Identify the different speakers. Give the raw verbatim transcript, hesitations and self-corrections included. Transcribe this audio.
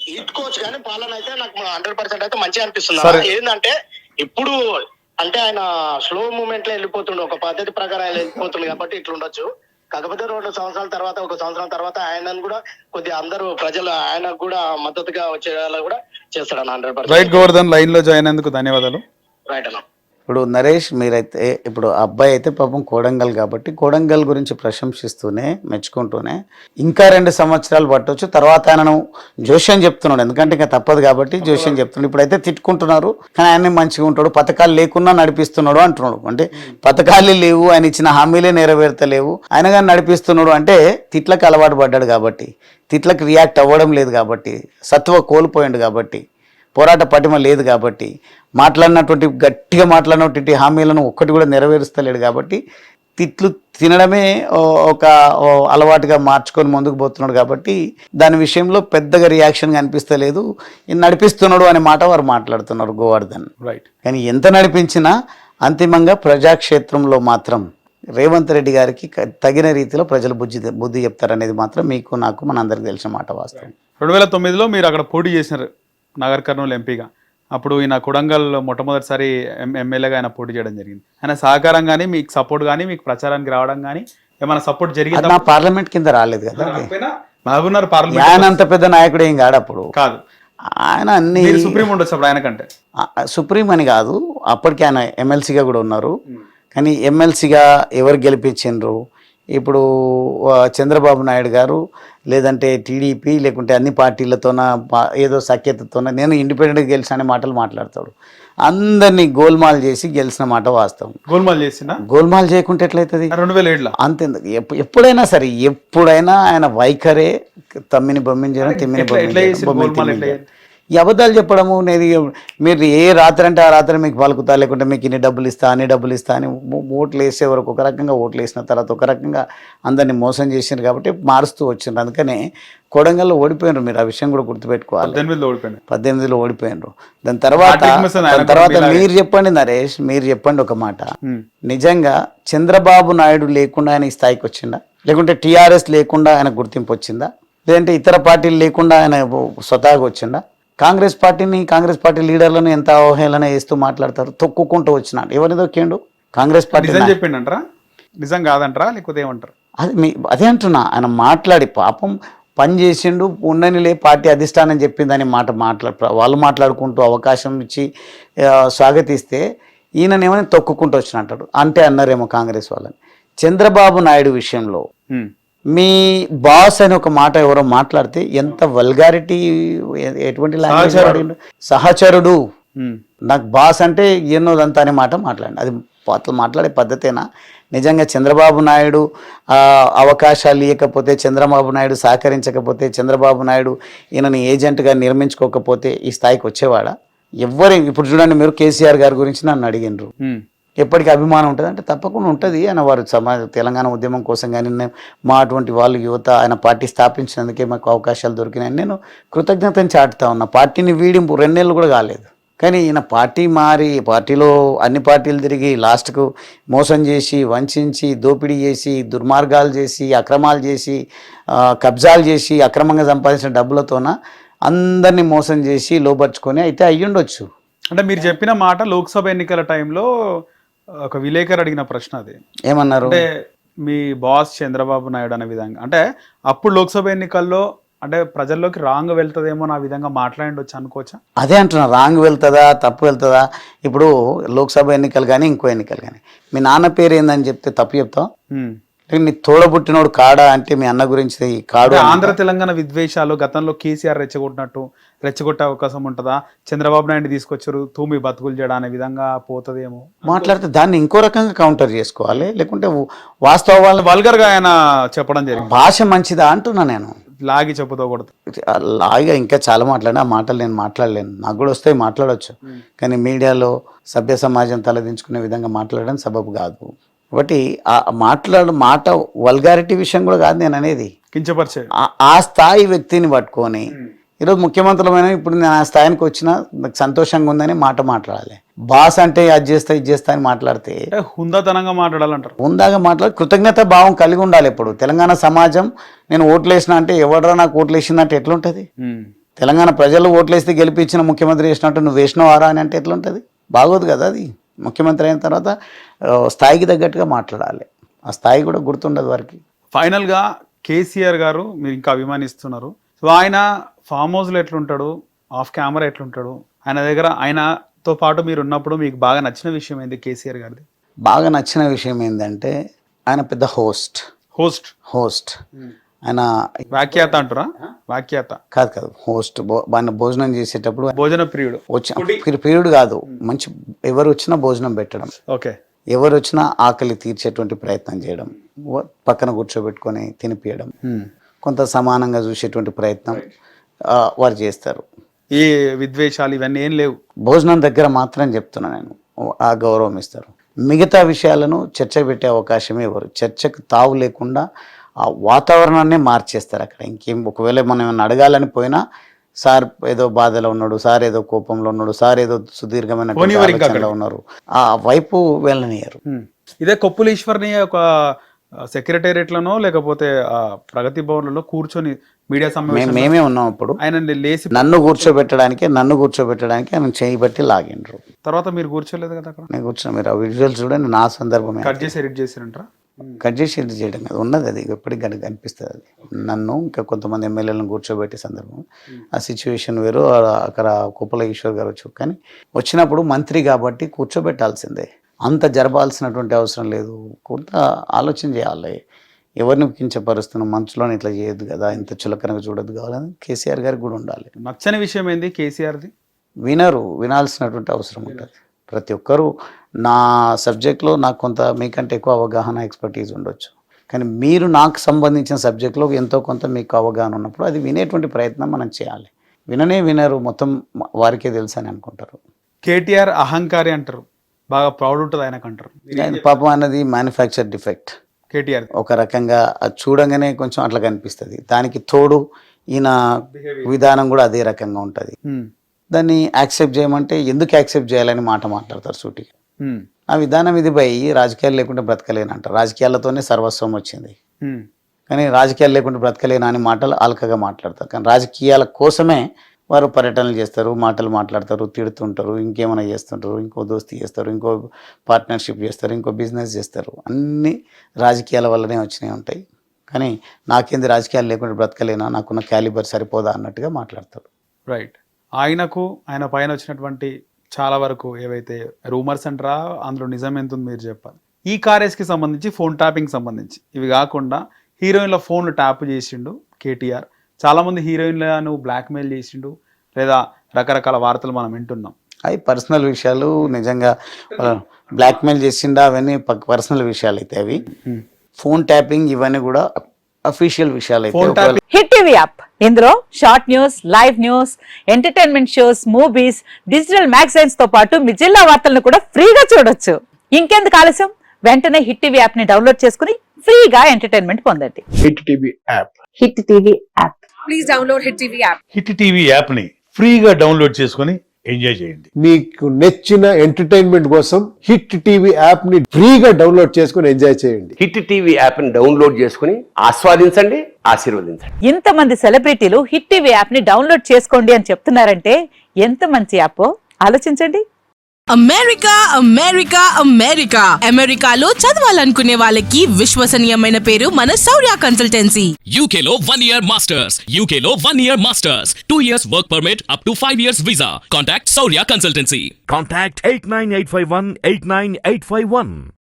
Speaker 1: ఇట్టుకోవచ్చు కానీ పాలన అయితే నాకు హండ్రెడ్ పర్సెంట్ అయితే మంచిగా అనిపిస్తుంది. ఏంటంటే ఇప్పుడు అంటే ఆయన స్లో మూమెంట్ లో వెళ్ళిపోతుండే, ఒక పద్ధతి ప్రకారం ఆయన వెళ్ళిపోతుంది కాబట్టి ఇట్లా ఉండొచ్చు. కాకపోతే రెండు సంవత్సరాల తర్వాత ఒక సంవత్సరం తర్వాత ఆయనను కూడా కొద్దిగా అందరూ ప్రజలు ఆయనకు కూడా మద్దతుగా వచ్చేలా కూడా చేస్తాడు hundred percent.
Speaker 2: Right Govardhan, line లో జాయిన్ అయినందుకు ధన్యవాదాలు.
Speaker 1: రైట్ అన్న.
Speaker 3: ఇప్పుడు నరేష్ మీరైతే ఇప్పుడు అబ్బాయి అయితే పాపం కోడంగల్ కాబట్టి కోడంగల్ గురించి ప్రశంసిస్తూనే మెచ్చుకుంటూనే ఇంకా రెండు సంవత్సరాలు పట్టవచ్చు, తర్వాత ఆయనను జోష్యం చెప్తున్నాడు, ఎందుకంటే ఇంకా తప్పదు కాబట్టి జోష్యం చెప్తున్నాడు. ఇప్పుడైతే తిట్టుకుంటున్నారు కానీ ఆయన మంచిగా ఉంటాడు, పథకాలు లేకున్నా నడిపిస్తున్నాడు అంటున్నాడు. అంటే పథకాలు లేవు, ఆయన ఇచ్చిన హామీలే నెరవేర్తలేవు, ఆయన కానీ నడిపిస్తున్నాడు అంటే తిట్లకు అలవాటు పడ్డాడు కాబట్టి, తిట్లకు రియాక్ట్ అవ్వడం లేదు కాబట్టి, సత్వ కోల్పోయాడు కాబట్టి, పోరాట పటిమ లేదు కాబట్టి, మాట్లాడినటువంటి గట్టిగా మాట్లాడినటువంటి హామీలను ఒక్కటి కూడా నెరవేరుస్తలేడు కాబట్టి తిట్లు తినడమే ఒక అలవాటుగా మార్చుకొని ముందుకు పోతున్నాడు కాబట్టి దాని విషయంలో పెద్దగా రియాక్షన్ కనిపిస్తలేదు. నడిపిస్తున్నాడు అనే మాట వారు మాట్లాడుతున్నారు గోవర్ధన్.
Speaker 2: రైట్.
Speaker 3: కానీ ఎంత నడిపించినా అంతిమంగా ప్రజాక్షేత్రంలో మాత్రం రేవంత్ రెడ్డి గారికి తగిన రీతిలో ప్రజలు బుద్ధి బుద్ధి చెప్తారనేది మాత్రం మీకు నాకు మన అందరికి తెలిసిన మాట వాస్తవం.
Speaker 2: రెండు వేల తొమ్మిదిలో మీరు అక్కడ పోటీ చేసినారు నగర్ కర్నూలు ఎంపీగా. అప్పుడు ఈయన కొడంగల్ మొట్టమొదటిసారి ఎమ్మెల్యేగా ఆయన పోటీ చేయడం జరిగింది. ఆయన సహకారం కానీ మీకు సపోర్ట్ కానీ మీకు ప్రచారానికి రావడం కానీ ఏమైనా సపోర్ట్ జరిగింది?
Speaker 3: నా పార్లమెంట్ కింద రాలేదు కదా,
Speaker 2: మహబూబ్నగర్ పార్లమెంట్.
Speaker 3: ఆయన అంత పెద్ద నాయకుడు ఏం కాడు అప్పుడు.
Speaker 2: కాదు,
Speaker 3: ఆయన అన్ని
Speaker 2: సుప్రీం ఉండొచ్చు అప్పుడు ఆయన కంటే.
Speaker 3: సుప్రీం అని కాదు, అప్పటికి ఆయన ఎమ్మెల్సీగా కూడా ఉన్నారు. కానీ ఎమ్మెల్సీగా ఎవరు గెలిపించిండ్రు? ఇప్పుడు చంద్రబాబు నాయుడు గారు లేదంటే టీడీపీ లేకుంటే అన్ని పార్టీలతోన ఏదో సఖ్యతతోన నేను ఇండిపెండెంట్గా గెలిచిన అనే మాటలు మాట్లాడతాడు. అందరినీ గోల్మాల్ చేసి గెలిచిన మాట వాస్తవం.
Speaker 2: గోల్మాల్ చేసిన గోల్మాల్
Speaker 3: చేయకుంటే ఎట్లయితుంది?
Speaker 2: రెండు వేల ఏడులో
Speaker 3: అంతే. ఎప్పుడైనా సరే ఎప్పుడైనా ఆయన వైఖరే తమ్మిని బొమ్మించడం, తిమ్మిని బొమ్మించడం, ఈ అబద్ధాలు చెప్పడము. నేను మీరు ఏ రాత్రి అంటే ఆ రాత్రి మీకు పలుకుతా, లేకుంటే మీకు ఇన్ని డబ్బులు ఇస్తా అన్ని డబ్బులు ఇస్తా అని ఓట్లు వేసే వరకు ఒక రకంగా, ఓట్లు వేసిన తర్వాత ఒక రకంగా అందరినీ మోసం చేసినారు కాబట్టి మారుస్తూ వచ్చిండ్రు. అందుకనే కొడంగల్లో ఓడిపోయినారు. మీరు ఆ విషయం కూడా గుర్తుపెట్టుకోవాలి. పద్దెనిమిదిలో ఓడిపోయినారు. దాని తర్వాత దాని తర్వాత మీరు చెప్పండి నరేష్, మీరు చెప్పండి ఒక మాట, నిజంగా చంద్రబాబు నాయుడు లేకుండా ఆయన ఈ స్థాయికి వచ్చిందా? లేకుంటే టీఆర్ఎస్ లేకుండా ఆయన గుర్తింపు వచ్చిందా? లేదంటే ఇతర పార్టీలు లేకుండా ఆయన స్వతహాగా వచ్చిందా? కాంగ్రెస్ పార్టీని, కాంగ్రెస్ పార్టీ లీడర్లను ఎంత అవహేళన చేస్తూ మాట్లాడతారు. తొక్కుకుంటూ వచ్చినాడు. ఎవరిని తొక్కిండు? కాంగ్రెస్ పార్టీ.
Speaker 2: చెప్పిండంటారా? నిజం కాదంటారా లేకపోతే ఏమంటారు?
Speaker 3: అది మీ అదే అంటున్నా. ఆయన మాట్లాడి పాపం పని చేసిండు, ఉండనిలే పార్టీ అధిష్టానం చెప్పిందని మాట మాట్లా వాళ్ళు మాట్లాడుకుంటూ అవకాశం ఇచ్చి స్వాగతిస్తే ఈయననేమని తొక్కుకుంటూ వచ్చినట్టాడు. అంటే అన్నారేమో కాంగ్రెస్ వాళ్ళని. చంద్రబాబు నాయుడు విషయంలో మీ బాస్ అని ఒక మాట ఎవరో మాట్లాడితే ఎంత వల్గారిటీ, ఎటువంటి లాంగ్వేజ్, సహచరుడు, నాకు బాస్ అంటే ఎన్నోదంతా అనే మాట మాట్లాడండి. అది అట్లా మాట్లాడే పద్ధతేనా? నిజంగా చంద్రబాబు నాయుడు అవకాశాలు ఇవ్వకపోతే, చంద్రబాబు నాయుడు సహకరించకపోతే, చంద్రబాబు నాయుడు ఈయనని ఏజెంట్గా నిర్మించుకోకపోతే ఈ స్థాయికి వచ్చేవాడా? ఎవరు ఇప్పుడు చూడండి, మీరు కేసీఆర్ గారి గురించి నన్ను అడిగినరు, ఎప్పటికీ అభిమానం ఉంటుంది అంటే తప్పకుండా ఉంటుంది. ఆయన వారు సమాజ తెలంగాణ ఉద్యమం కోసం కానీ మా అటువంటి వాళ్ళు యువత ఆయన పార్టీ స్థాపించినందుకే మాకు అవకాశాలు దొరికినాయని నేను కృతజ్ఞతను చాటుతా ఉన్నా. పార్టీని వీడింపు రెండేళ్ళు కూడా కాలేదు. కానీ ఈయన పార్టీ మారి పార్టీలో అన్ని పార్టీలు తిరిగి లాస్ట్కు మోసం చేసి, వంచి, దోపిడీ చేసి, దుర్మార్గాలు చేసి, అక్రమాలు చేసి, కబ్జాలు చేసి, అక్రమంగా సంపాదించిన డబ్బులతోన అందరినీ మోసం చేసి లోపరుచుకొని అయితే అయ్యుండొచ్చు.
Speaker 2: అంటే మీరు చెప్పిన మాట లోక్సభ ఎన్నికల టైంలో ఒక విలేకరు అడిగిన ప్రశ్న. అది
Speaker 3: ఏమన్నారు
Speaker 2: అంటే మీ బాస్ చంద్రబాబు నాయుడు అనే విధంగా, అంటే అప్పుడు లోక్సభ ఎన్నికల్లో అంటే ప్రజల్లోకి రాంగ్ వెళ్తుందేమో నా విధంగా మాట్లాడవచ్చు అనుకోవచ్చా?
Speaker 3: అదే అంటున్నా, రాంగ్ వెళ్తుందా, తప్పు వెళ్తుందా? ఇప్పుడు లోక్సభ ఎన్నికలు కానీ ఇంకో ఎన్నికలు కానీ మీ నాన్న పేరు ఏందని చెప్తే తప్పు చెప్తావు? నీ తోడబుట్టినోడు కాడా అంటే మీ అన్న గురించి కాడు.
Speaker 2: ఆంధ్ర తెలంగాణ విద్వేషాలు గతంలో కేసీఆర్ రెచ్చగొట్టినట్టు రెచ్చగొట్టే అవకాశం ఉంటుందా? చంద్రబాబు నాయుడు తీసుకొచ్చారు తూమి బతుకులు చేయడం అనే విధంగా పోతుందేమో
Speaker 3: మాట్లాడితే దాన్ని ఇంకో రకంగా కౌంటర్ చేసుకోవాలి. లేకుంటే వాస్తవాలు
Speaker 2: వల్గర్గా ఆయన చెప్పడం జరిగింది.
Speaker 3: భాష మంచిదా అంటున్నా నేను.
Speaker 2: లాగి చెప్పుకోకూడదు.
Speaker 3: లాగిగా ఇంకా చాలా మాట్లాడిన ఆ మాటలు నేను మాట్లాడలేను. నాకు కూడా వస్తాయి, మాట్లాడవచ్చు. కానీ మీడియాలో సభ్య సమాజం తలదించుకునే విధంగా మాట్లాడడం సబబు కాదు. కాబట్టి ఆ మాట్లాడు మాట వల్గారిటీ విషయం కూడా కాదు నేను అనేది,
Speaker 2: కించపరిచే
Speaker 3: ఆ స్థాయి వ్యక్తిని పట్టుకొని ఈరోజు ముఖ్యమంత్రులమైన ఇప్పుడు నేను ఆ స్థాయికి వచ్చినా నాకు సంతోషంగా ఉందని మాట మాట్లాడాలి. బాస్ అంటే అది చేస్తా ఇది చేస్తా అని మాట్లాడితే
Speaker 2: హుందాతనంగా మాట్లాడాలంటారు.
Speaker 3: హుందాగా మాట్లాడి కృతజ్ఞత భావం కలిగి ఉండాలి. ఇప్పుడు తెలంగాణ సమాజం నేను ఓట్లు వేసిన అంటే ఎవడరా నాకు ఓట్లు వేసిందంటే ఎట్లుంటుంది? తెలంగాణ ప్రజలు ఓట్లేస్తే గెలిపించిన ముఖ్యమంత్రి చేసినట్టు నువ్వు వేసినవారా అని అంటే ఎట్లుంటుంది? బాగోదు కదా అది. ముఖ్యమంత్రి అయిన తర్వాత ఆ, స్థాయికి తగ్గట్టుగా మాట్లాడాలి. ఆ స్థాయి కూడా గుర్తుండదు వారికి.
Speaker 2: ఫైనల్గా కేసీఆర్ గారు మీరు ఇంకా అభిమానిస్తున్నారు. సో ఆయన ఫామ్ హౌస్లో ఎట్లుంటాడు, ఆఫ్ కెమెరా ఎట్లుంటాడు, ఆయన దగ్గర ఆయనతో పాటు మీరు ఉన్నప్పుడు మీకు బాగా నచ్చిన విషయం ఏంది కేసీఆర్ గారిది?
Speaker 3: బాగా నచ్చిన విషయం ఏంటంటే ఆయన పెద్ద హోస్ట్
Speaker 2: హోస్ట్
Speaker 3: హోస్ట్ ఆయన
Speaker 2: వాక్యాత అంటారా? వాక్యాత
Speaker 3: కాదు కాదు హోస్ట్ ఆయన భోజనం చేసేటప్పుడు
Speaker 2: భోజన ప్రియుడు.
Speaker 3: వచ్చి పీరియడ్ కాదు, మంచి ఎవరు వచ్చినా భోజనం పెట్టడం,
Speaker 2: ఓకే,
Speaker 3: ఎవరు వచ్చినా ఆకలి తీర్చేటువంటి ప్రయత్నం చేయడం, వ- పక్కన కూర్చోబెట్టుకొని తినిపియడం, కొంత సమానంగా చూసేటువంటి ప్రయత్నం ఆ, వారు చేస్తారు.
Speaker 2: ఈ విద్వేషాలు ఇవన్నీ ఏం లేవు.
Speaker 3: భోజనం దగ్గర మాత్రం చెప్తున్నా నేను, ఆ గౌరవం ఇస్తారు. మిగతా విషయాలను చర్చ పెట్టే అవకాశమే ఇవ్వరు. చర్చకు తావు లేకుండా ఆ వాతావరణాన్ని మార్చేస్తారు అక్కడ. ఇంకేం ఒకవేళ మనం ఏమైనా అడగాలని పోయినా సార్ ఏదో బాధలో ఉన్నాడు, సార్ ఏదో కోపంలో ఉన్నాడు, సార్ ఏదో సుదీర్ఘమైన ఆలోచనలో ఉన్నారు, ఆ వైపు వెళ్ళనియరు.
Speaker 2: హ్మ్. ఇదే కొప్పులీశ్వర్ని ఒక సెక్రటేరియట్లనో లేకపోతే ఆ ప్రగతి భవన్లలో కూర్చొని మీడియా
Speaker 3: మేము
Speaker 2: సమావేశం
Speaker 3: మేమే ఉన్నాం అప్పుడు.
Speaker 2: ఆయన లేచి
Speaker 3: నన్ను కూర్చోబెట్టడానికి నన్ను కూర్చోబెట్టడానికి ఆయన చేయి బట్టి లాగిండ్రు.
Speaker 2: తర్వాత మీరు కూర్చోలేదు కదా అక్కడ?
Speaker 3: నేను కూర్చున్నా. మీరు ఆ విజువల్స్ చూడండి. నా సందర్భమే.
Speaker 2: కట్ చేసి ఎడిట్ చేసిరంటారా?
Speaker 3: కట్ చేసి ఎడిట్ చేయడం కదా ఉన్నది, అది ఎప్పటికి కనుక కనిపిస్తుంది. అది నన్ను ఇంకా కొంతమంది ఎమ్మెల్యేలను కూర్చోబెట్టే సందర్భం. ఆ సిచ్యువేషన్ వేరు. ఆ- అక్కడ కుప్పల ఈశ్వర్ గారు వచ్చి, కానీ వచ్చినప్పుడు మంత్రి కాబట్టి కూర్చోబెట్టాల్సిందే. అంత జరపాల్సినటువంటి అవసరం లేదు. కొంత ఆలోచన చేయాలి. ఎవరిని కించపరుస్తున్నాం, మంచులో ఇట్లా చేయొద్దు కదా, ఇంత చులకనగా చూడొద్దు కావాలని కేసీఆర్ గారికి కూడా ఉండాలి.
Speaker 2: నచ్చని విషయం ఏంది కేసీఆర్ది?
Speaker 3: వినరు, వినాల్సినటువంటి అవసరం ఉంటుంది. ప్రతి ఒక్కరూ నా సబ్జెక్ట్లో నాకు కొంత మీకంటే ఎక్కువ అవగాహన, ఎక్స్పర్టీజ్ ఉండొచ్చు, కానీ మీరు నాకు సంబంధించిన సబ్జెక్ట్లో ఎంతో కొంత మీకు అవగాహన ఉన్నప్పుడు అది వినేటువంటి ప్రయత్నం మనం చేయాలి. విననే వినరు, మొత్తం వారికే తెలుసు అని అనుకుంటారు.
Speaker 2: కేటీఆర్ అహంకారి అంటారు, బాగా ప్రౌడ్ ఉంటుంది ఆయనకు అంటారు.
Speaker 3: కానీ పాపం అన్నది మ్యానుఫ్యాక్చర్ డిఫెక్ట్.
Speaker 2: కేటీఆర్
Speaker 3: ఒక రకంగా అది చూడంగానే కొంచెం అట్లా కనిపిస్తుంది. దానికి తోడు ఈయన విధానం కూడా అదే రకంగా ఉంటుంది. దాన్ని యాక్సెప్ట్ చేయమంటే ఎందుకు యాక్సెప్ట్ చేయాలని మాట మాట్లాడతారు సూటిగా. ఆ విధానం ఇది పోయి రాజకీయాలు లేకుండా బ్రతకలేను అంటారు. రాజకీయాలతోనే సర్వస్వం వచ్చింది, కానీ రాజకీయాలు లేకుండా బ్రతకలేను అని మాటలు అల్కగా మాట్లాడతారు. కానీ రాజకీయాల కోసమే వారు పర్యటనలు చేస్తారు, మాటలు మాట్లాడతారు, తిడుతుంటారు, ఇంకేమైనా చేస్తుంటారు, ఇంకో దోస్తీ చేస్తారు, ఇంకో పార్ట్నర్షిప్ చేస్తారు, ఇంకో బిజినెస్ చేస్తారు. అన్నీ రాజకీయాల వల్లనే వచ్చినాయి ఉంటాయి. కానీ నాకేంది రాజకీయాలు లేకుండా బ్రతకలేనా, నాకున్న క్యాలిబర్ సరిపోదా అన్నట్టుగా మాట్లాడతారు.
Speaker 2: రైట్. ఆయనకు ఆయన పైన వచ్చినటువంటి చాలా వరకు ఏవైతే రూమర్స్ అంటారా, అందులో నిజం ఎంత ఉంది మీరు చెప్పాలి. ఈ కారేస్కి సంబంధించి ఫోన్ ట్యాపింగ్ సంబంధించి ఇవి కాకుండా హీరోయిన్ల ఫోన్లు ట్యాప్ చేసిండు కేటీఆర్. చాలామంది హీరోయిన్లను బ్లాక్మెయిల్ చేసిండు, లేదా రకరకాల వార్తలు మనం వింటున్నాం.
Speaker 3: అవి పర్సనల్ విషయాలు. నిజంగా బ్లాక్మెయిల్ చేసిండా అవన్నీ పర్సనల్ విషయాలు అయితే. అవి ఫోన్ ట్యాపింగ్ ఇవన్నీ కూడా అఫీషియల్ విషయాలు అయితే.
Speaker 4: హిట్ టీవీ యాప్, ఇందులో short news, live news, entertainment shows, movies, digital magazines తో పాటు మీ జిల్లా వార్తలను కూడా ఫ్రీగా చూడొచ్చు. ఇంకెందుకు ఆలస్యం, వెంటనే హిట్ టీవీ యాప్ ని డౌన్లోడ్ చేసుకుని ఫ్రీగా ఎంటర్టైన్మెంట్ పొందండి.
Speaker 5: Hit TV app
Speaker 4: Hit TV app.
Speaker 6: Please download Hit T V app.
Speaker 7: Hit TV యాప్ని ఫ్రీగా డౌన్లోడ్ చేసుకొని ఎంజాయ్ చేయండి.
Speaker 5: మీకు నచ్చిన ఎంటర్టైన్మెంట్ కోసం హిట్ టీవీ యాప్ ని ఫ్రీగా డౌన్లోడ్ చేసుకుని ఎంజాయ్ చేయండి.
Speaker 8: హిట్ టీవీ యాప్ని డౌన్లోడ్ చేసుకుని ఆస్వాదించండి, ఆశీర్వదించండి.
Speaker 4: ఇంతమంది సెలబ్రిటీలు హిట్ టీవీ యాప్ ని డౌన్లోడ్ చేసుకోండి అని చెప్తున్నారంటే ఎంత మంచి యాప్ ఆలోచించండి.
Speaker 6: అమెరికా అమెరికా అమెరికా అమెరికాలో చదవాలనుకునే వాళ్ళకి విశ్వసనీయమైన పేరు మన శౌర్య కన్సల్టెన్సీ.
Speaker 9: U K లో one year masters. U K లో one year masters. two years work permit up to five years visa. Contact Saurya Consultancy.
Speaker 10: Contact eight nine eight five one eight nine eight five one.